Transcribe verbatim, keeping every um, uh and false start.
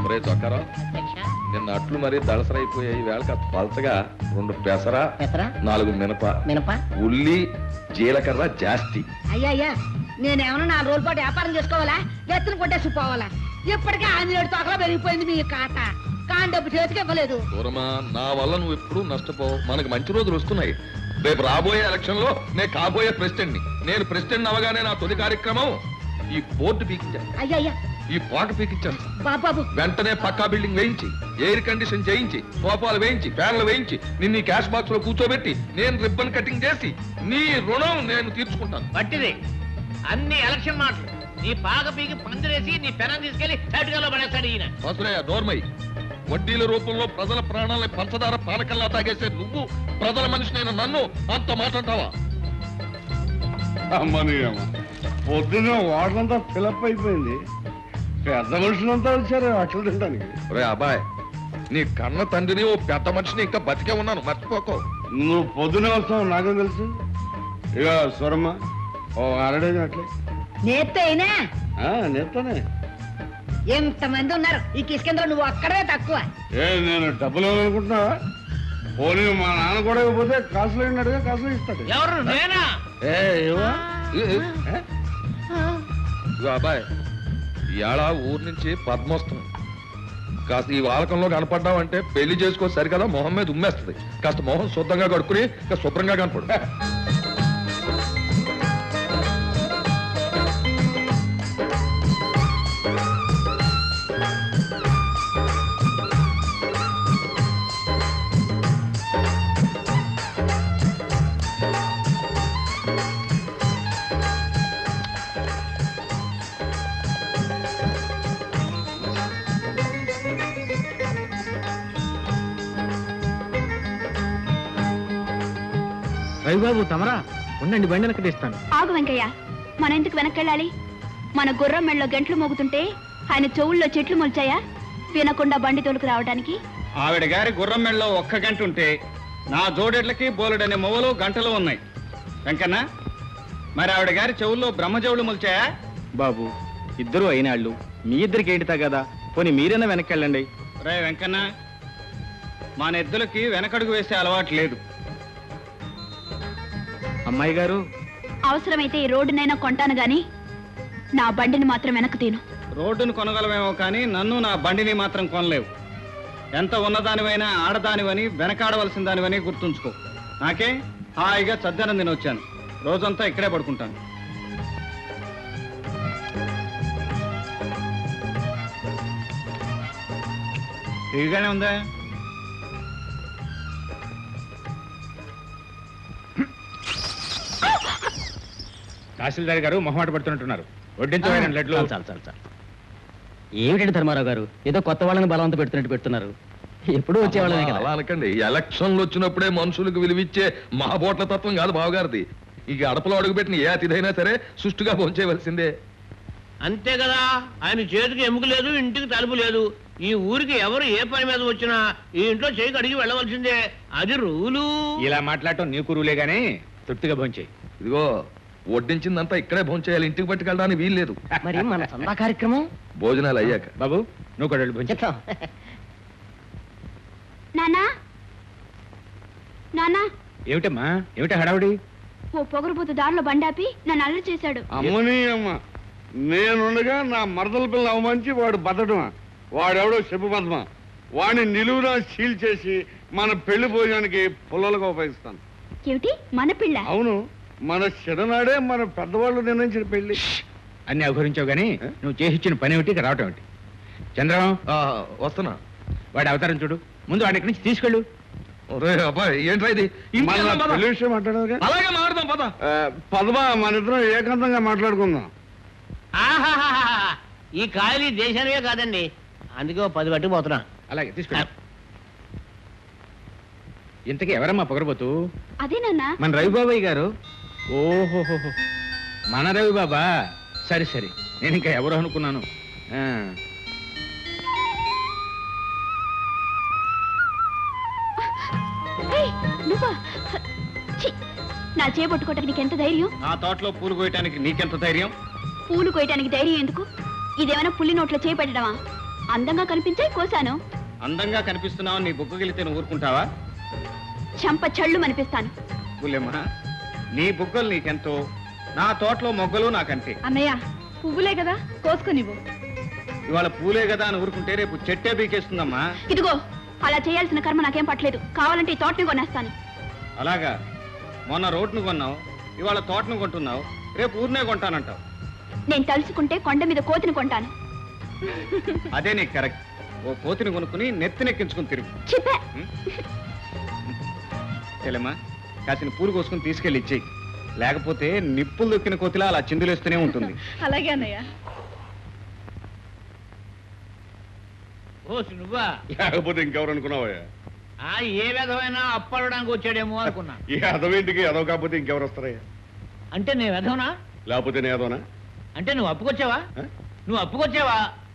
ఒరే చొక్కారావు, నిన్న అట్లు మరీ దళసరైపోయాయి. వేళ కాస్త పలచగా రెండు పెసర, నాలుగు మినప మినప ఉల్లి, జీలకర్ర జాస్తి. అయ్యా అయ్యా నేనేమన్నా నాలుగు రోజుల పాటు వ్యాపారం చేసుకోవాలా, ఎత్తున కొట్టేసి పోవాలా? ఇప్పటికే ఆంజనేయుడు తోకలా పెరిగిపోయింది మీ కాట. కాని డబ్బు చేతికి ఇవ్వలేదు. దూరమా, నా వల్ల నువ్వు ఎప్పుడు నష్టపోవు. మనకు మంచి రోజులు వస్తున్నాయి. రేపు రాబోయే ఎలక్షన్ లో నేను కాబోయే ప్రెసిడెంట్ ని. నేను ప్రెసిడెంట్ అవగానే నా తొలి కార్యక్రమం ఈ బోర్డు పీకించాను, అయ్యా అయ్యా ఈ పాట పీకించాను. బాబాబు వెంటనే పక్కా బిల్డింగ్ వేయించి, ఎయిర్ కండిషన్ చేయించి, సోఫాలు వేయించి, ఫ్యాన్లు వేయించి, నిన్ను క్యాష్ బాక్స్ లో కూర్చోబెట్టి నేను రిబ్బన్ కటింగ్ చేసి నీ రుణం నేను తీర్చుకుంటాను. పట్టిది అన్ని ఎలక్షన్ మాటలు. నీ పాక పీకి పందిరేసి నీ పెనం తీసుకెళ్లి తటుకలో పడేస్తాడు ఈయన. వసులయ్య నోర్మై, వడ్డీల రూపంలో ప్రజల ప్రాణాలని పంచదార పానకల్లా తాగేసే నువ్వు ప్రజల మనిషినైన నన్ను అంత మాట్లాడతావా? అమ్మని అమ్మ, పొద్దున్న వాటంతా ఫిలప్ అయిపోయింది. పెద్ద మనుషులంతా వచ్చారు అట్లు తినడానికి. రే అబ్బాయ్, నీ కన్న తండ్రిని ఓ పెద్ద మనిషిని ఇంకా బతికే ఉన్నాను, మర్చిపోకో. నువ్వు పొద్దునే వస్తావు నాకేం తెలుసు. ఇక స్వరమ్మ ఓ అరడేది అట్లే నేత్తే అయినా నేస్తానే. ఎంతమంది ఉన్నారు ఈ కిష్కేంద్ర, నువ్వు అక్కడే తక్కువ. ఏ నేను డబ్బులు ఇవ్వాలనుకుంటున్నావా? పోనీ మా నాన్న కూడా ఇవ్వకపోతే కాసులు అయినట్టుగా కాసులు ఇస్తాడు. ఎవరు నేనా? ఏ ఇవ్వా? ఇదిగో అబ్బాయ్, ఇవాళ ఊరు నుంచి పద్మ వస్తుంది. కాస్త ఈ వాలకంలో కనపడ్డావంటే పెళ్లి చేసుకో సరికదా మొహం మీద ఉమ్మేస్తుంది. కాస్త మొహం శుద్ధంగా కడుక్కుని ఇంకా శుభ్రంగా కనపడు. రవిబాబు తమరా ఉండండి, బండి వెనక్కి తీస్తాను. ఆగు వెంకయ్య, మన ఎందుకు వెనక్కెళ్ళాలి? మన గుర్రం మెళ్ళలో గంటలు మోగుతుంటే ఆయన చెవుల్లో చెట్లు మొల్చాయా వినకుండా బండి తోలుకు రావడానికి? ఆవిడ గారి గుర్రం మెళ్ళలో ఒక్క గంట ఉంటే నా జోడెడ్లకి బోలెడనే మొవలు గంటలు ఉన్నాయి. వెంకన్న, మరి ఆవిడ గారి చెవుల్లో బ్రహ్మజవులు మొల్చాయా? బాబు, ఇద్దరు అయినాళ్ళు, మీ ఇద్దరికి ఏంటితా కదా, పోనీ మీరైనా వెనక్కెళ్ళండి. రే వెంకన్న, మన ఎద్దులకి వెనకడుగు వేసే అలవాటు లేదు. అమ్మాయి గారు, అవసరమైతే ఈ రోడ్డునైనా కొంటాను గాని నా బండిని మాత్రం వెనక్కు తీను. రోడ్డును కొనగలమేమో కానీ నన్ను నా బండిని మాత్రం కొనలేవు. ఎంత ఉన్నదానివైనా ఆడదానివని వెనకాడవలసిన దానివని గుర్తుంచుకో. నాకే హాయిగా చద్దనం తిని వచ్చాను, రోజంతా ఇక్కడే పడుకుంటాను. ఇదిగానే ఉందా? తహసీల్దార్ గారు మొహమాట పడుతున్నట్టున్నారు. వడ్డించమైన లడ్లు. చాలు చాలు చాలు. ఏమిటండి ధర్మారావు గారు, ఏదో కొత్త వాళ్ళని బలవంత పెడుతున్నట్టు పెడుతున్నారు. ఎప్పుడు వచ్చేవాళ్ళమే కదా. అలా అనకండి, ఎలక్షన్లు వచ్చినప్పుడే మనుషులకు విలువిచ్చే మహాబోట్ల తత్వం కాదు బావగారిది. ఇక అడపలో అడుగుపెట్టిన ఏ అతిథైనా సరే సుష్టుగా భోంచేయవలసిందే. అంతే కదా, ఆయన చేతికి ఎముక లేదు, ఇంటికి తలుపు లేదు. ఈ ఊరికి ఎవరు ఏ పని మీద వచ్చినా ఈ ఇంట్లో చేయి అడిగి వెళ్ళవలసిందే, అది రూలు. ఇలా మాట్లాడటం నీ కురువులే గానీ తృప్తిగా భోంచేయి. ఇదిగో వడ్డించిందంతా ఇక్కడే భోంచేయాలి, ఇంటికి పట్టుకెళ్ళడానికి వీల్లేదు. మరి మన సందా కార్యక్రమం భోజనాలు అయ్యాక. బాబు, నువ్వు కూడా భోంచే. నానా నానా, ఏమిటమ్మా, ఏమిటా హడావుడి? ఓ పొగరుబోతు దారిలో బండాపి నన్ను అల్లరి చేశాడు. అమ్మని అమ్మ, నేనుండగా నా మరదల పిల్ల అవమంచి వాడు బతడమా? వాడెవడో చెప్పు పద్మ, వాడిని నిలువునా సీల్ చేసి మన పెళ్లి భోజనానికి పుల్లలుగా ఉపయోగిస్తాను. ఏమిటి మన పిల్ల? అవును, మన చిన్ననాడే మన పెద్దవాళ్ళు నిర్ణయించిన పెళ్లి. అన్ని అవహరించావు గానీ నువ్వు చేసిచ్చిన పని ఏమిటి, రావటం ఏమిటి? చంద్రం, వస్తున్నా. వాడి అవతారం చూడు, ముందు వాడి ఇక్కడి నుంచి తీసుకెళ్ళు. అబ్బాయి ఏంట్రా ఇది? పెళ్లి విషయం మాట్లాడదు. అలాగే మాట్లాడదాం పద. పద్మ, మన ఇద్దరం ఏకాంతంగా మాట్లాడుకుందాం. ఆహాహాహా, ఈ కాయలు దేశానివే కాదండి, అందుకే ఓ పది పట్టుకుపోతున్నా. అలాగే తీసుకెళ్ళు. ఇంతకీ ఎవరమ్మా పొగరబోతు? అదే నాన్న, మన రవిబాబాయ్ గారు. ఓహోహో, మన రవిబాబా. సరే సరే, నేను ఇంకా ఎవరు అనుకున్నాను. నువ్వా? ఛీ, నా చేపట్టుకోవటానికి నీకెంత ధైర్యం? నా తోటలో పూలు కోయటానికి నీకెంత ధైర్యం? పూలు కోయటానికి ధైర్యం ఎందుకు? ఇదేమైనా పుల్లి నోట్లో చేపెట్టడమా? అందంగా కనిపించాయి కోసాను. అందంగా కనిపిస్తున్నావు నీ బుగ్గగిలితే నువ్వు ఊరుకుంటావా? చంప చళ్ళు అనిపిస్తాను. బుల్లెమ్మ, నీ బుగ్గలు నీకెంతో, నా తోటలో మొగ్గలు నాకంతే. అన్నయ్య పువ్వులే కదా కోసుకునివ్వు. ఇవాళ పూలే కదా అని ఊరుకుంటే రేపు చెట్టే బీకేస్తుందమ్మా. ఇదిగో అలా చేయాల్సిన కర్మ నాకేం పట్టలేదు. కావాలంటే ఈ తోటని కొనేస్తాను. అలాగా? మొన్న రోడ్ను కొన్నావు, ఇవాళ తోటను కొంటున్నావు, రేపు ఊరినే కొంటానంటావు. నేను తలుచుకుంటే కొండ మీద కోతిని కొంటాను. అదే నీకు కరెక్ట్. ఓ కోతిని కొనుక్కుని నెత్తినెక్కించుకుని తిరుగు. చిప్పే. చెల్లెమ్మా, కాసిన పూలు కోసుకుని తీసుకెళ్ళి ఇచ్చేయి. లేకపోతే నిప్పులు దొక్కిన కోతిలా అలా చిందులేస్తూనే ఉంటుంది. అలాగే అన్నయ్య. ఓ నువ్వా? లేకపోతే ఇంకెవరు అనుకున్నావా? ఆ ఏ విధమైన అప్పడడానికి వచ్చాడేమో అనుకున్నా. ఈ అదవేంటికి అదవ కాకపోతే ఇంకెవరు వస్తారయ్యా? అంటే నేను విధవనా? లేకపోతే నేను అదోనా? అంటే నువ్వు అప్పుకొచ్చావా? ఆ? నువ్వు అప్పుకొచ్చావా